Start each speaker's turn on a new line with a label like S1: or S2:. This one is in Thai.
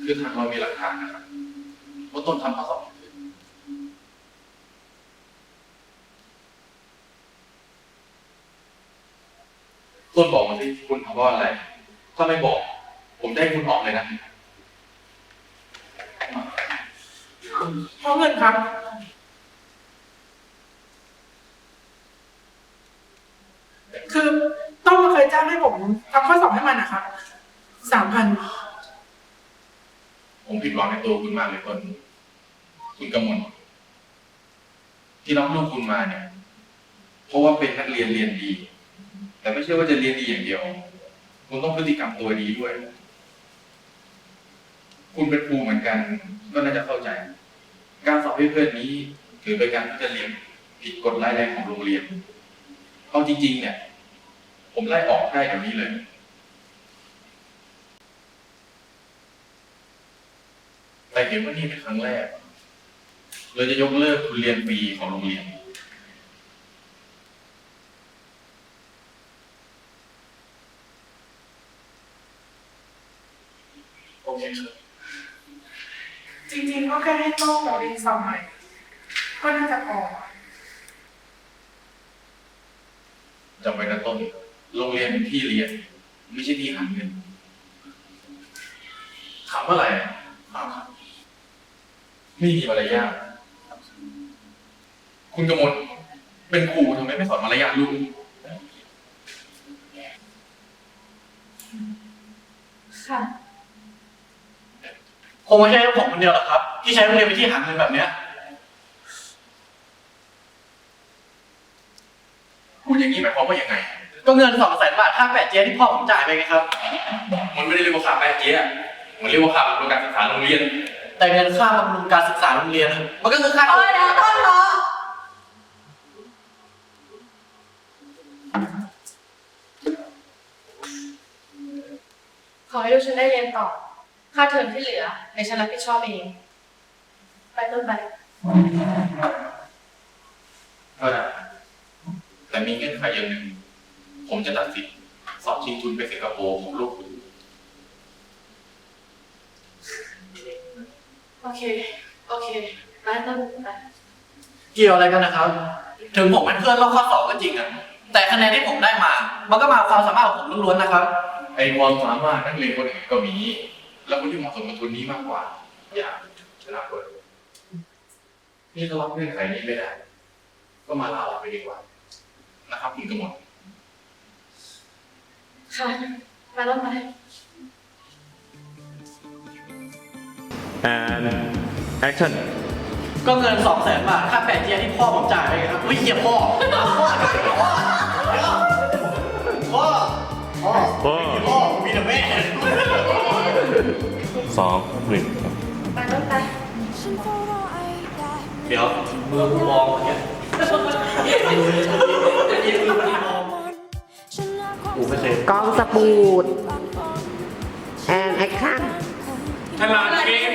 S1: คือทางเรามีหลักฐานนะครับว่าต้นทำข้อสอบผิดต้นบอกมาสิคุณทำเพราะอะไร ถ้าไม่บอก ผมจะให้คุณออกเลยนะ
S2: เพราะเงินครับคือต้องมาเคยจ้างให้ผมทำข้อสอบให้มันนะครับ3,000
S1: ผมผิดหวังในตัวคุณมากเลยต้นคุณกำมลที่รับลูกคุณมาเนี่ย เพราะว่าเป็นนักเรียนเรียนดี แต่ไม่ใช่ว่าจะเรียนดีอย่างเดียว คุณต้องพฤติกรรมตัวดีด้วย คุณเป็นครูเหมือนกัน ก็น่าจะเข้าใจ การสอบให้เพื่อนนี้ถือเป็นการที่จะเรียนผิดกฎร้ายแรงของโรงเรียนเอาจริงๆเนี่ย ผมไล่ออกได้เดี๋ยวนี้เลย แต่เห็นว่านี่เป็นครั้งแรกเลยจะยกเลิกทุนเรียนฟรีของโรงเรียน โอเคครับ
S2: จริงๆก็แค่ให้ต้องเรียนสอบใหม่ก็น่าจะพอ
S1: จำไว้นะต้น โรงเรียนเป็นที่เรียน ไม่ใช่ที่หาเงิน ถามว่าอะไรไม่มีมารยาทคุณกมลเป็นครูทำไมไม่สอนมารยาทลูก
S2: ค่ะ
S3: คงไม่ใช่ผมคนเดียวหรอกครับ ที่ใช้โรงเรียนเป็นที่หาเงินแบบเนี้ย
S1: พูดอย่างนี้หมายความว่ายังไง
S3: ก็เงิน200,000 บาทค่าแปะเจี๊ยที่พ่อผมจ่ายไปไงครับ
S1: มันไม่ได้เรียกว่าค่าแป๊ะเจี๊ยะมันเรียกว่าค่าบำรุงการศึกษาโรงเรียน
S3: แต่เงินค่าบำรุงการศึกษาโรงเรียนมันก็คือค่า
S4: เออเดี๋ยวต้นเหรอขอให้ลูกฉันได้เรียนต่อ ค่าเทอมที่เหลือในฉันรับผิดชอบเอง ไปต้นไป
S1: ก็ได้แต่มีเงื่อนไขอย่างหนึ่ง ผมจะตัดสิทธิ์สอบชิงทุนไปสิงคโปร์ของลูกคุณ
S4: โอเค โอเค ไปต้นไป
S3: เกี่ยวอะไรกันนะครับ ถึงผมเป็นเพื่อนรอบข้อสอบก็จริงอะแต่คะแนนที่ผมได้มา มันก็มาความสามารถของผมล้วนๆนะครับ
S1: ไอ้ความสามารถนักเรียนคนอื่นก็มี แล้วคนที่เหมาะสมกับทุนนี้มากกว่า อย่าชนะคนนี่ถ้ารับเงื่อนไขนี้ไม่ได้ ก็มาลาออกไปดีกว่า นะครับคุณกมล
S4: ค่ะไปต้นไป
S5: and action
S3: ก็เงิน200,000 บาทค่าแปะเจี๊ยที่พ่อผมจ่ายไปไงครับเฮียพ่อมีแต่แม่
S5: 2 1
S4: ไปต้นไป
S3: เดี๋ยวมือมองอย่างเงี้ยกูไม่เคย
S6: กองสปูดแอนแอคชั่น
S1: ฉลาดเกม